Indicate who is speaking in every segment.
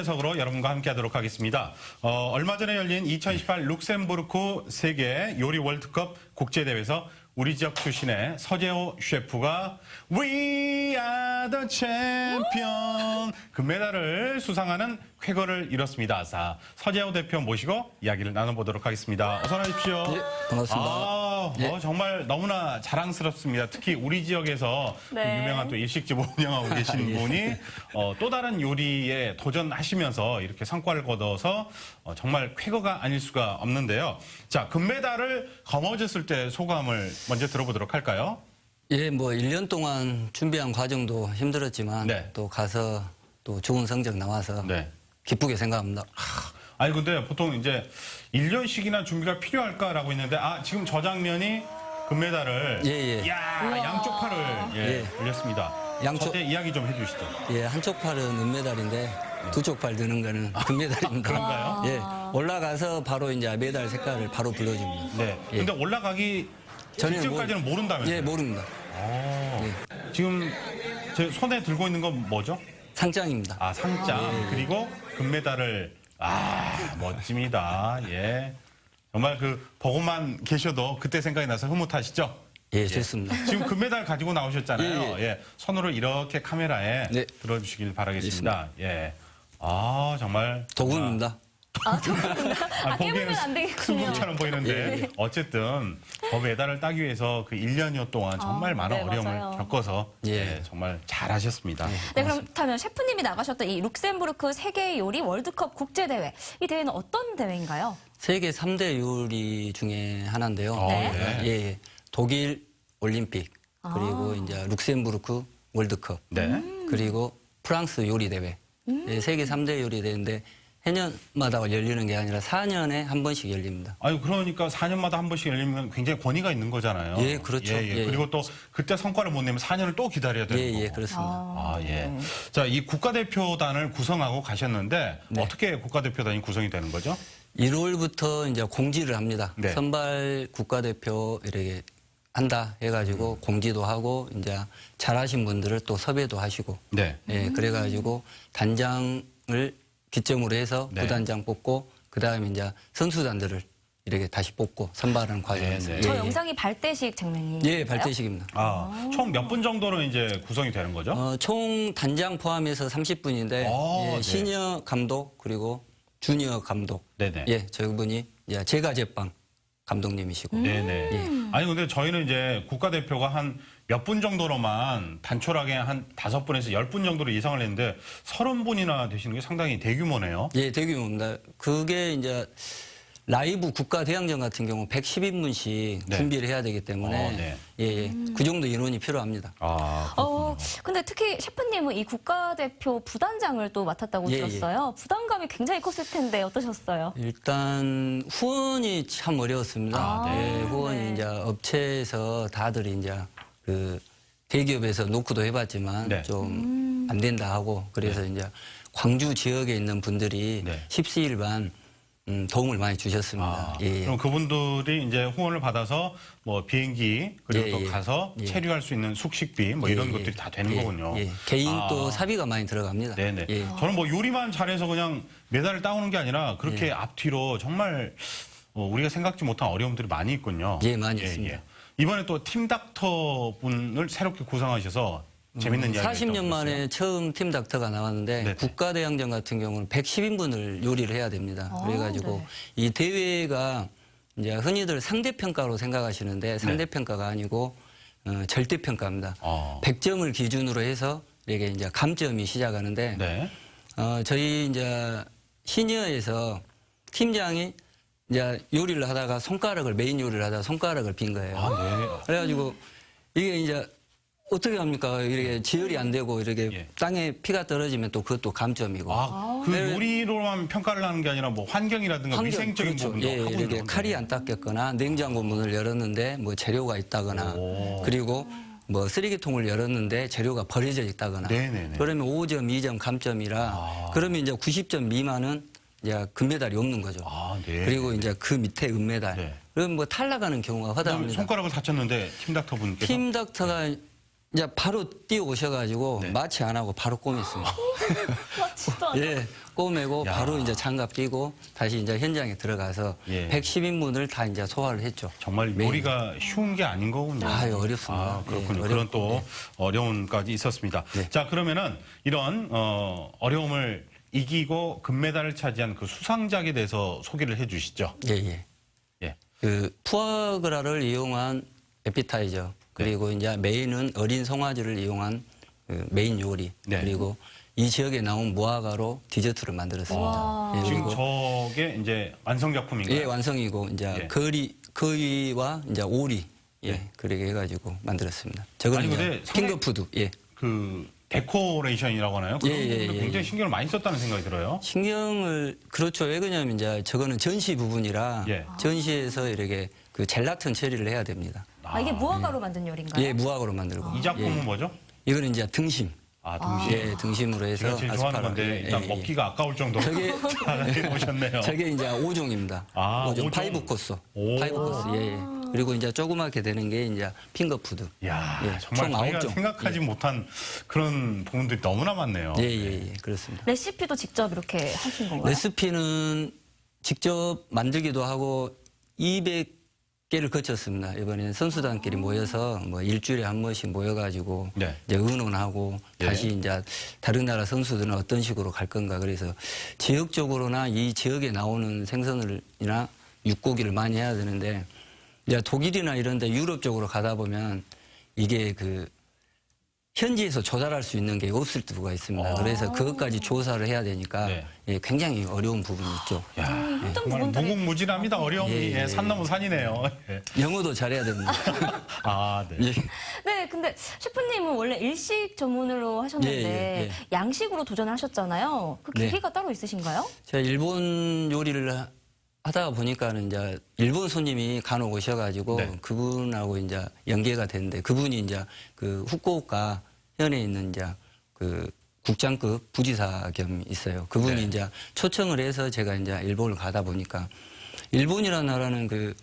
Speaker 1: 초대석으로 여러분과 함께하도록 하겠습니다. 얼마 전에 열린 2018 룩셈부르크 세계 요리 월드컵 국제대회에서 우리 지역 출신의 서재호 셰프가 We are the champion 금메달을 수상하는 쾌거를 이뤘습니다. 자, 서재호 대표 모시고 이야기를 나눠보도록 하겠습니다. 어서 나십시오.
Speaker 2: 네, 반갑습니다.
Speaker 1: 네. 정말 너무나 자랑스럽습니다. 특히 우리 지역에서
Speaker 3: 네.
Speaker 1: 유명한 또 일식집 운영하고 계신 분이 또 다른 요리에 도전하시면서 이렇게 성과를 거둬서 정말 쾌거가 아닐 수가 없는데요. 자, 금메달을 거머쥐었을 때 소감을 먼저 들어보도록 할까요?
Speaker 2: 예, 뭐 1년 동안 준비한 과정도 힘들었지만
Speaker 1: 네.
Speaker 2: 또 가서 또 좋은 성적 나와서
Speaker 1: 네.
Speaker 2: 기쁘게 생각합니다.
Speaker 1: 아니 근데 보통 이제 1년씩이나 준비가 필요할까라고 했는데 지금 저 장면이 금메달을
Speaker 2: 예.
Speaker 1: 양쪽 팔을
Speaker 2: 예.
Speaker 1: 올렸습니다.
Speaker 2: 양쪽-
Speaker 1: 저때 이야기 좀 해주시죠.
Speaker 2: 예, 한쪽 팔은 은메달인데 두 쪽 팔 드는 거는 금메달입니다.
Speaker 1: 그런가요?
Speaker 2: 예, 올라가서 바로 이제 메달 색깔을 바로 불러줍니다.
Speaker 1: 네.
Speaker 2: 예.
Speaker 1: 근데 올라가기
Speaker 2: 전혀
Speaker 1: 직전까지는 모른다면서요?
Speaker 2: 예, 모릅니다.
Speaker 1: 지금 제 손에 들고 있는 건 뭐죠?
Speaker 2: 상장입니다.
Speaker 1: 상장. 그리고 금메달을 멋집니다. 예. 정말 보고만 계셔도 그때 생각이 나서 흐뭇하시죠?
Speaker 2: 예, 좋습니다.
Speaker 1: 지금 금메달 가지고 나오셨잖아요.
Speaker 2: 예.
Speaker 1: 손으로 이렇게 카메라에
Speaker 2: 네.
Speaker 1: 들어주시길 바라겠습니다. 예. 정말.
Speaker 2: 도군입니다.
Speaker 3: 깨물면 안 되겠군요.
Speaker 1: 승부처럼 보이는데 어쨌든 그 메달을 따기 위해서 그 1년여 동안 정말 많은
Speaker 3: 네,
Speaker 1: 어려움을
Speaker 3: 맞아요.
Speaker 1: 겪어서
Speaker 2: 예.
Speaker 1: 정말 잘하셨습니다.
Speaker 3: 네, 그렇다면 셰프님이 나가셨던 이 룩셈부르크 세계 요리 월드컵 국제대회. 이 대회는 어떤 대회인가요?
Speaker 2: 세계 3대 요리 중에 하나인데요.
Speaker 3: 네.
Speaker 2: 예, 독일 올림픽, 그리고 이제 룩셈부르크 월드컵,
Speaker 1: 네.
Speaker 2: 그리고 프랑스 요리 대회. 예, 세계 3대 요리 대회인데 해년마다 열리는 게 아니라 4년에 한 번씩 열립니다.
Speaker 1: 그러니까 4년마다 한 번씩 열리면 굉장히 권위가 있는 거잖아요.
Speaker 2: 예, 그렇죠. 예.
Speaker 1: 그리고 또 그때 성과를 못 내면 4년을 또 기다려야 되는 거고.
Speaker 2: 예, 그렇습니다.
Speaker 1: 예. 자, 이 국가대표단을 구성하고 가셨는데
Speaker 2: 네.
Speaker 1: 어떻게 국가대표단이 구성이 되는 거죠?
Speaker 2: 1월부터 이제 공지를 합니다.
Speaker 1: 네.
Speaker 2: 선발 국가대표 이렇게 한다 해가지고 공지도 하고 이제 잘하신 분들을 또 섭외도 하시고
Speaker 1: 네.
Speaker 2: 예, 그래가지고 단장을 기점으로 해서
Speaker 1: 네.
Speaker 2: 부단장 뽑고 그다음에 이제 선수단들을 이렇게 다시 뽑고 선발하는 과정에서
Speaker 1: 네.
Speaker 3: 저 영상이 발대식 장면이.
Speaker 2: 예, 발대식입니다.
Speaker 1: 총 몇 분 정도로 이제 구성이 되는 거죠?
Speaker 2: 총 단장 포함해서 30분인데
Speaker 1: 네.
Speaker 2: 시니어 감독 그리고 주니어 감독
Speaker 1: 네네.
Speaker 2: 예, 저분이 이제 제가 제빵 감독님이시고
Speaker 1: 네네. 아니 근데 저희는 이제 국가대표가 한 몇 분 정도로만 단촐하게 한 5분에서 10분 정도로 예상을 했는데 30분이나 되시는 게 상당히 대규모네요.
Speaker 2: 예, 대규모입니다. 그게 이제 라이브 국가 대항전 같은 경우 110인분씩
Speaker 1: 네.
Speaker 2: 준비를 해야 되기 때문에
Speaker 1: 네.
Speaker 2: 예, 그 정도 인원이 필요합니다.
Speaker 3: 근데 특히 셰프님은 이 국가대표 부단장을 또 맡았다고
Speaker 2: 예,
Speaker 3: 들었어요. 부담감이 굉장히 컸을 텐데 어떠셨어요?
Speaker 2: 일단 후원이 참 어려웠습니다.
Speaker 1: 네.
Speaker 2: 예, 후원이
Speaker 3: 네.
Speaker 2: 이제 업체에서 다들 이제 그 대기업에서 노크도 해봤지만
Speaker 1: 네.
Speaker 2: 좀 안 된다 하고 그래서 이제 광주 지역에 있는 분들이
Speaker 1: 네.
Speaker 2: 십시일반 도움을 많이 주셨습니다. 예.
Speaker 1: 그럼 그분들이 이제 후원을 받아서 뭐 비행기 그리고
Speaker 2: 예,
Speaker 1: 또
Speaker 2: 예.
Speaker 1: 가서
Speaker 2: 예.
Speaker 1: 체류할 수 있는 숙식비 뭐 이런
Speaker 2: 예,
Speaker 1: 것들이 다 되는
Speaker 2: 예,
Speaker 1: 거군요.
Speaker 2: 예. 개인 또 사비가 많이 들어갑니다.
Speaker 1: 네네.
Speaker 2: 예.
Speaker 1: 저는 뭐 요리만 잘해서 그냥 메달을 따오는 게 아니라 그렇게
Speaker 2: 예.
Speaker 1: 앞뒤로 정말 우리가 생각지 못한 어려움들이 많이 있군요.
Speaker 2: 예, 많이 있습니다.
Speaker 1: 이번에 또 팀닥터 분을 새롭게 구성하셔서 재밌는 이야기
Speaker 2: 40년 만에 처음 팀 닥터가 나왔는데
Speaker 1: 네네.
Speaker 2: 국가대항전 같은 경우는 110인분을 요리를 해야 됩니다. 그래가지고
Speaker 3: 네.
Speaker 2: 이 대회가 이제 흔히들 상대평가로 생각하시는데 상대평가가 아니고 절대평가입니다. 100점을 기준으로 해서 이게 이제 감점이 시작하는데
Speaker 1: 네.
Speaker 2: 저희 이제 시니어에서 팀장이 이제 요리를 하다가 메인 요리를 하다가 손가락을 빈 거예요.
Speaker 1: 네.
Speaker 2: 그래가지고 이게 이제 어떻게 합니까? 이렇게 지혈이 안 되고 이렇게
Speaker 1: 예.
Speaker 2: 땅에 피가 떨어지면 또 그것도 감점이고.
Speaker 1: 그
Speaker 2: 네.
Speaker 1: 요리로만 평가를 하는 게 아니라 뭐 환경이라든가 위생적인
Speaker 2: 그렇죠.
Speaker 1: 부분도
Speaker 2: 예,
Speaker 1: 하고
Speaker 2: 이렇게
Speaker 1: 있는
Speaker 2: 칼이 안 닦였거나 냉장고 문을 열었는데 뭐 재료가 있다거나 그리고 뭐 쓰레기통을 열었는데 재료가 버려져 있다거나
Speaker 1: 네네네.
Speaker 2: 그러면 5점, 2점 감점이라 그러면 이제 90점 미만은 이제 금메달이 없는 거죠.
Speaker 1: 네.
Speaker 2: 그리고 이제 그 밑에 은메달.
Speaker 1: 네.
Speaker 2: 그럼 뭐 탈락하는 경우가
Speaker 1: 그다음에
Speaker 2: 허다합니다.
Speaker 1: 손가락을 다쳤는데 팀닥터 분께서
Speaker 2: 팀 닥터가 이제 바로 뛰어 오셔가지고
Speaker 1: 네.
Speaker 2: 마취 안 하고 바로 꼬맸습니다.
Speaker 3: 와, 진짜.
Speaker 2: 예, 꼬매고
Speaker 1: 야.
Speaker 2: 바로 이제 장갑 끼고 다시 이제 현장에 들어가서
Speaker 1: 예.
Speaker 2: 110인분을 다 이제 소화를 했죠.
Speaker 1: 정말
Speaker 2: 매일.
Speaker 1: 요리가 쉬운 게 아닌 거군요.
Speaker 2: 아유, 어렵습니다.
Speaker 1: 아, 그렇군요.
Speaker 2: 예,
Speaker 1: 그런 또
Speaker 2: 어렵고,
Speaker 1: 어려움까지 있었습니다.
Speaker 2: 네.
Speaker 1: 자, 그러면은 이런 어려움을 이기고 금메달을 차지한 그 수상작에 대해서 소개를 해 주시죠.
Speaker 2: 예, 예.
Speaker 1: 예.
Speaker 2: 그 푸아그라를 이용한 에피타이저 그리고 이제 메인은 어린 송아지를 이용한 그 메인 요리
Speaker 1: 네.
Speaker 2: 그리고 이 지역에 나온 무화과로 디저트를 만들었습니다.
Speaker 3: 와.
Speaker 2: 예,
Speaker 1: 지금
Speaker 2: 그리고
Speaker 1: 저게 이제 완성작품인가요?
Speaker 2: 예, 완성이고 이제
Speaker 1: 예.
Speaker 2: 거위와 이제 오리 예,
Speaker 1: 네.
Speaker 2: 그렇게 해가지고 만들었습니다. 저거는
Speaker 1: 아니,
Speaker 2: 이제
Speaker 1: 근데 상당히-
Speaker 2: 핑거푸드 예.
Speaker 1: 그 데코레이션이라고 하나요? 그런
Speaker 2: 예, 예,
Speaker 1: 부분도
Speaker 2: 예,
Speaker 1: 굉장히
Speaker 2: 예.
Speaker 1: 신경을 많이 썼다는 생각이 들어요.
Speaker 2: 신경을 그렇죠. 왜 그러냐면 이제 저거는 전시 부분이라
Speaker 1: 예.
Speaker 2: 전시에서 이렇게 그 젤라틴 처리를 해야 됩니다.
Speaker 3: 아, 이게 무화과로 만든 요리인가요?
Speaker 2: 예, 무화과로 만들고.
Speaker 1: 이 작품은
Speaker 2: 예.
Speaker 1: 뭐죠?
Speaker 2: 이거는 이제 등심.
Speaker 1: 아, 등심.
Speaker 2: 예, 등심으로 해서
Speaker 1: 제가 제일 좋아하는
Speaker 2: 아스파라.
Speaker 1: 건데
Speaker 2: 예,
Speaker 1: 일단
Speaker 2: 예,
Speaker 1: 먹기가 아까울 정도로
Speaker 2: 저게-
Speaker 1: 잘 해보셨네요.
Speaker 2: 저게 이제 5종입니다.
Speaker 1: 아, 5종.
Speaker 2: 파이브 코스.
Speaker 1: 오.
Speaker 2: 파이브 코스. 예, 예. 그리고 이제 조그맣게 되는 게 이제 핑거푸드.
Speaker 1: 야,
Speaker 2: 예,
Speaker 1: 정말
Speaker 2: 총
Speaker 1: 저희가
Speaker 2: 9종.
Speaker 1: 생각하지 못한 그런 부분들이 너무나 많네요.
Speaker 2: 예, 예, 예. 그렇습니다.
Speaker 3: 레시피도 직접 이렇게 하신 건가요?
Speaker 2: 레시피는 직접 만들기도 하고 200개를 거쳤습니다. 이번에는 선수단끼리 모여서 뭐 일주일에 한 번씩 모여가지고
Speaker 1: 네.
Speaker 2: 이제 의논하고
Speaker 1: 예.
Speaker 2: 다시 이제 다른 나라 선수들은 어떤 식으로 갈 건가 그래서 지역적으로나 이 지역에 나오는 생선이나 육고기를 많이 해야 되는데 이제 독일이나 이런데 유럽 쪽으로 가다 보면 이게 그 현지에서 조달할 수 있는 게 없을 수가 있습니다. 그래서 그것까지 조사를 해야 되니까
Speaker 1: 네.
Speaker 2: 예, 굉장히 어려운 부분이 있죠.
Speaker 1: 야,
Speaker 3: 힘든
Speaker 1: 정말
Speaker 3: 부분들이
Speaker 1: 무궁무진합니다. 어려움이
Speaker 2: 예, 예,
Speaker 1: 예, 산 넘어 산이네요. 예.
Speaker 2: 영어도 잘해야 됩니다.
Speaker 1: 아, 네.
Speaker 2: 예.
Speaker 3: 네, 근데 셰프님은 원래 일식 전문으로 하셨는데
Speaker 2: 예, 예, 예.
Speaker 3: 양식으로 도전하셨잖아요. 그
Speaker 2: 네.
Speaker 3: 계기가 따로 있으신가요?
Speaker 2: 제가 일본 요리를 하다가 보니까는 이제 일본 손님이 간혹 오셔가지고
Speaker 1: 네.
Speaker 2: 그분하고 이제 연계가 됐는데 그분이 이제 그 후쿠오카 현에 있는 이제 그 국장급 부지사 겸 있어요. 그분이
Speaker 1: 네.
Speaker 2: 이제 초청을 해서 제가 이제 일본을 가다 보니까 일본이라는 나라는 그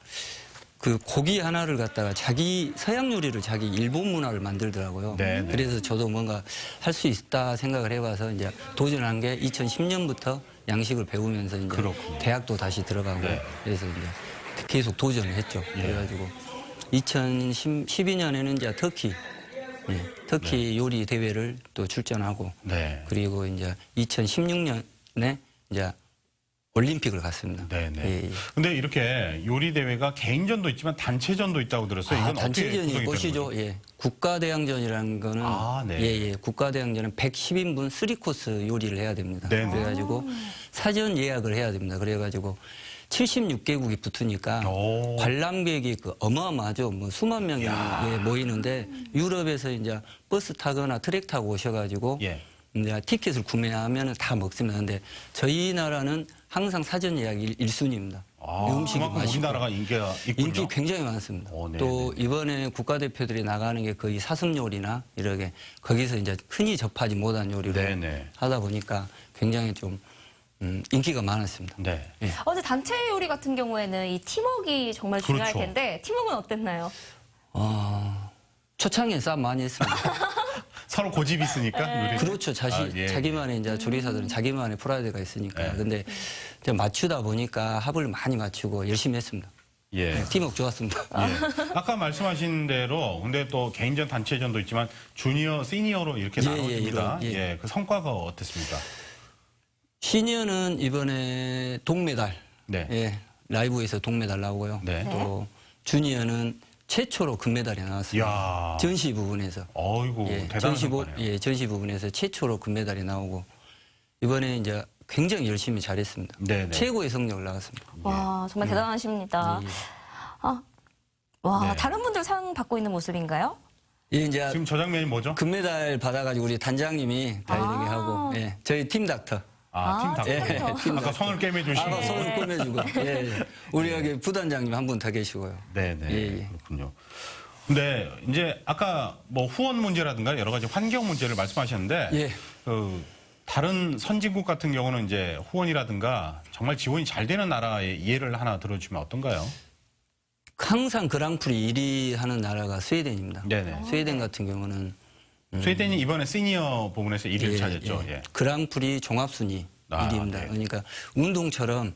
Speaker 2: 고기 하나를 갖다가 자기 서양 요리를 자기 일본 문화를 만들더라고요.
Speaker 1: 네, 네.
Speaker 2: 그래서 저도 뭔가 할 수 있다 생각을 해봐서 이제 도전한 게 2010년부터 양식을 배우면서 이제
Speaker 1: 그렇군요.
Speaker 2: 대학도 다시 들어가고
Speaker 1: 네.
Speaker 2: 그래서 이제 계속 도전을 했죠.
Speaker 1: 예.
Speaker 2: 그래가지고 2012년에는 이제 터키
Speaker 1: 네.
Speaker 2: 요리 대회를 또 출전하고
Speaker 1: 네.
Speaker 2: 그리고 이제 2016년에 이제 올림픽을 갔습니다.
Speaker 1: 네네.
Speaker 2: 예, 예.
Speaker 1: 근데 이렇게 요리 대회가 개인전도 있지만 단체전도 있다고 들었어요. 이건 어떻게
Speaker 2: 단체전이
Speaker 1: 구성이 되는
Speaker 2: 꽃이죠.
Speaker 1: 거죠?
Speaker 2: 예. 국가대항전이라는 거는
Speaker 1: 아, 네.
Speaker 2: 예. 국가대항전은 110인분 3코스 요리를 해야 됩니다.
Speaker 1: 네, 네.
Speaker 2: 그래가지고 사전 예약을 해야 됩니다. 그래가지고 76개국이 붙으니까
Speaker 1: 오.
Speaker 2: 관람객이 그 어마어마하죠. 뭐 수만 명이 예, 모이는데 유럽에서 이제 버스 타거나 트랙 타고 오셔가지고
Speaker 1: 예.
Speaker 2: 이제 티켓을 구매하면 다 먹습니다. 근데 저희 나라는 항상 사전 예약이 1순위입니다.
Speaker 1: 아,
Speaker 2: 음식이
Speaker 1: 그만큼
Speaker 2: 맛있고.
Speaker 1: 우리나라가 인기가 있군요.
Speaker 2: 인기 굉장히 많습니다.
Speaker 1: 오, 네,
Speaker 2: 또
Speaker 1: 네.
Speaker 2: 이번에 국가대표들이 나가는 게 거의 사슴 요리나 이렇게 거기서 이제 흔히 접하지 못한 요리로
Speaker 1: 네, 네.
Speaker 2: 하다 보니까 굉장히 좀 인기가 많았습니다.
Speaker 1: 네.
Speaker 2: 예.
Speaker 3: 근데 단체 요리 같은 경우에는 이 팀워크가 정말 중요할
Speaker 1: 그렇죠.
Speaker 3: 텐데 팀워크는 어땠나요?
Speaker 2: 초창기에 싸움 많이 했습니다.
Speaker 1: 서로 고집이 있으니까 요리.
Speaker 2: 그렇죠.
Speaker 1: 아, 예.
Speaker 2: 자기만의 이제 조리사들은 자기만의 프라이드가 있으니까.
Speaker 1: 예.
Speaker 2: 근데 이제 맞추다 보니까 합을 많이 맞추고 열심히 했습니다.
Speaker 1: 예.
Speaker 2: 팀워크 좋았습니다.
Speaker 1: 예. 아까 말씀하신 대로 근데 또 개인전 단체전도 있지만 주니어, 시니어로 이렇게
Speaker 2: 예,
Speaker 1: 나눠집니다.
Speaker 2: 예,
Speaker 1: 예,
Speaker 2: 예.
Speaker 1: 그 성과가 어땠습니까?
Speaker 2: 시니어는 이번에 동메달.
Speaker 1: 네.
Speaker 2: 예, 라이브에서 동메달 나오고요.
Speaker 1: 네.
Speaker 2: 또 주니어는 최초로 금메달이 나왔습니다.
Speaker 1: 이야.
Speaker 2: 전시 부분에서.
Speaker 1: 어이구 대단한 성과네요.
Speaker 2: 전시 부분에서 최초로 금메달이 나오고 이번에 이제 굉장히 열심히 잘했습니다.
Speaker 1: 네네.
Speaker 2: 최고의 성적을 나왔습니다.
Speaker 3: 와, 정말 대단하십니다.
Speaker 2: 예, 예.
Speaker 3: 와,
Speaker 1: 네.
Speaker 3: 다른 분들 상 받고 있는 모습인가요?
Speaker 2: 예, 이제
Speaker 1: 지금 저 장면이 뭐죠?
Speaker 2: 금메달 받아가지고 우리 단장님이 다 이렇게
Speaker 3: 아.
Speaker 2: 하고, 예, 저희 팀 닥터.
Speaker 1: 팀 닥터.
Speaker 3: 팀
Speaker 2: 팀
Speaker 1: 아까 손을 깨매주시고.
Speaker 2: 아까 손을 꼬매주고, 예, 예. 우리 여기 부단장님 한 분 더 계시고요.
Speaker 1: 네네.
Speaker 2: 예, 예.
Speaker 1: 그렇군요. 근데 이제 아까 뭐 후원 문제라든가 여러 가지 환경 문제를 말씀하셨는데
Speaker 2: 예.
Speaker 1: 그 다른 선진국 같은 경우는 이제 후원이라든가 정말 지원이 잘 되는 나라의 예를 하나 들어주면 어떤가요?
Speaker 2: 항상 그랑프리 1위 하는 나라가 스웨덴입니다.
Speaker 1: 네네.
Speaker 2: 스웨덴 같은 경우는
Speaker 1: 스웨덴이 이번에 시니어 부분에서 1위를 차지했죠. 예.
Speaker 2: 그랑프리 종합순위
Speaker 1: 아,
Speaker 2: 1위입니다.
Speaker 1: 네.
Speaker 2: 그러니까 운동처럼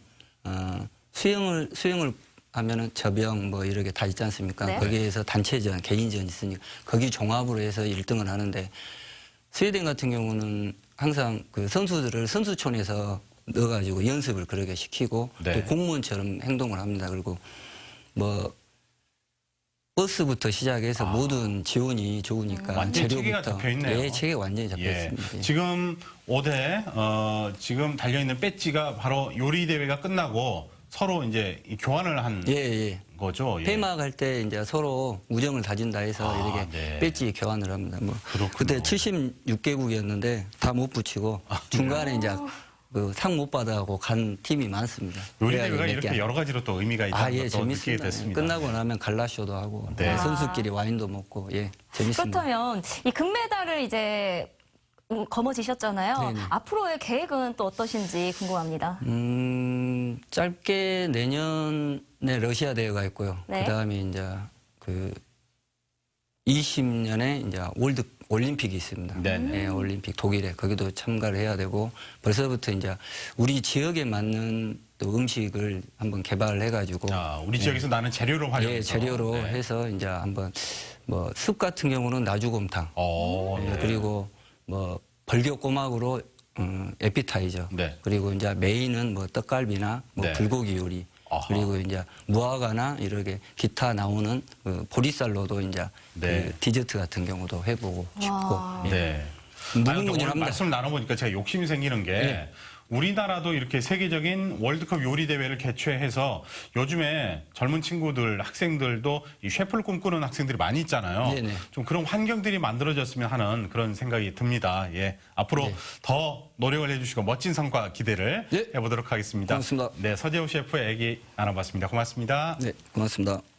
Speaker 2: 수영을 하면은 저병 뭐 이렇게 다 있지 않습니까?
Speaker 3: 네.
Speaker 2: 거기에서 단체전, 개인전 있으니까 거기 종합으로 해서 1등을 하는데 스웨덴 같은 경우는 항상 그 선수들을 선수촌에서 넣어가지고 연습을 그렇게 시키고
Speaker 1: 네.
Speaker 2: 또 공무원처럼 행동을 합니다. 그리고 뭐 버스부터 시작해서 모든 지원이 좋으니까
Speaker 1: 완전히 체계가
Speaker 2: 재료부터
Speaker 1: 잡혀있네요.
Speaker 2: 예, 체계가 완전히 잡혀
Speaker 1: 예.
Speaker 2: 있습니다. 예.
Speaker 1: 지금 5대 지금 달려있는 배지가 바로 요리 대회가 끝나고 서로 이제 이 교환을 한
Speaker 2: 예.
Speaker 1: 거죠. 예.
Speaker 2: 폐막할 때 이제 서로 우정을 다진다 해서
Speaker 1: 아,
Speaker 2: 이렇게
Speaker 1: 네.
Speaker 2: 배지 교환을 합니다. 뭐
Speaker 1: 그렇군요.
Speaker 2: 그때 76개국이었는데 다 못 붙이고 중간에 이제 그 상 못 받아고 간 팀이 많습니다.
Speaker 1: 요리
Speaker 2: 그래가지고
Speaker 1: 대회가
Speaker 2: 몇
Speaker 1: 이렇게
Speaker 2: 개
Speaker 1: 여러 가지로 또 의미가 있다는
Speaker 2: 예,
Speaker 1: 것도 느끼게
Speaker 2: 재밌습니다.
Speaker 1: 됐습니다.
Speaker 2: 끝나고 나면 갈라쇼도 하고
Speaker 1: 네.
Speaker 2: 선수끼리 와인도 먹고 예, 재밌습니다.
Speaker 3: 그렇다면 이 금메달을 이제 거머쥐셨잖아요.
Speaker 2: 네네.
Speaker 3: 앞으로의 계획은 또 어떠신지 궁금합니다.
Speaker 2: 짧게 내년에 러시아 대회가 있고요.
Speaker 3: 네.
Speaker 2: 그다음에 이제 그 20년에 이제 올림픽이 있습니다.
Speaker 1: 네네.
Speaker 2: 예, 올림픽 독일에 거기도 참가를 해야 되고 벌써부터 이제 우리 지역에 맞는 또 음식을 한번 개발을 해가지고
Speaker 1: 우리 지역에서 나는 재료로 활용해서
Speaker 2: 예, 재료로
Speaker 1: 네.
Speaker 2: 해서 이제 한번 뭐 숲 같은 경우는 나주곰탕 예,
Speaker 1: 네.
Speaker 2: 그리고 뭐 벌교꼬막으로 에피타이저
Speaker 1: 네.
Speaker 2: 그리고 이제 메인은 뭐 떡갈비나 뭐
Speaker 1: 네.
Speaker 2: 불고기 요리
Speaker 1: 아하.
Speaker 2: 그리고 이제 무화과나 이렇게 기타 나오는 그 보리쌀로도 이제
Speaker 1: 네.
Speaker 2: 그 디저트 같은 경우도 해보고 싶고 예.
Speaker 1: 네. 아니, 근데 오늘
Speaker 2: 무궁무진합니다.
Speaker 1: 말씀 나눠보니까 제가 욕심이 생기는 게
Speaker 2: 네.
Speaker 1: 우리나라도 이렇게 세계적인 월드컵 요리 대회를 개최해서 요즘에 젊은 친구들, 학생들도 이 셰프를 꿈꾸는 학생들이 많이 있잖아요.
Speaker 2: 네네.
Speaker 1: 좀 그런 환경들이 만들어졌으면 하는 그런 생각이 듭니다. 예. 앞으로
Speaker 2: 네.
Speaker 1: 더 노력을 해주시고 멋진 성과 기대를
Speaker 2: 네.
Speaker 1: 해보도록 하겠습니다.
Speaker 2: 고맙습니다.
Speaker 1: 네, 서재호 셰프의 얘기 나눠봤습니다. 고맙습니다.
Speaker 2: 네, 고맙습니다.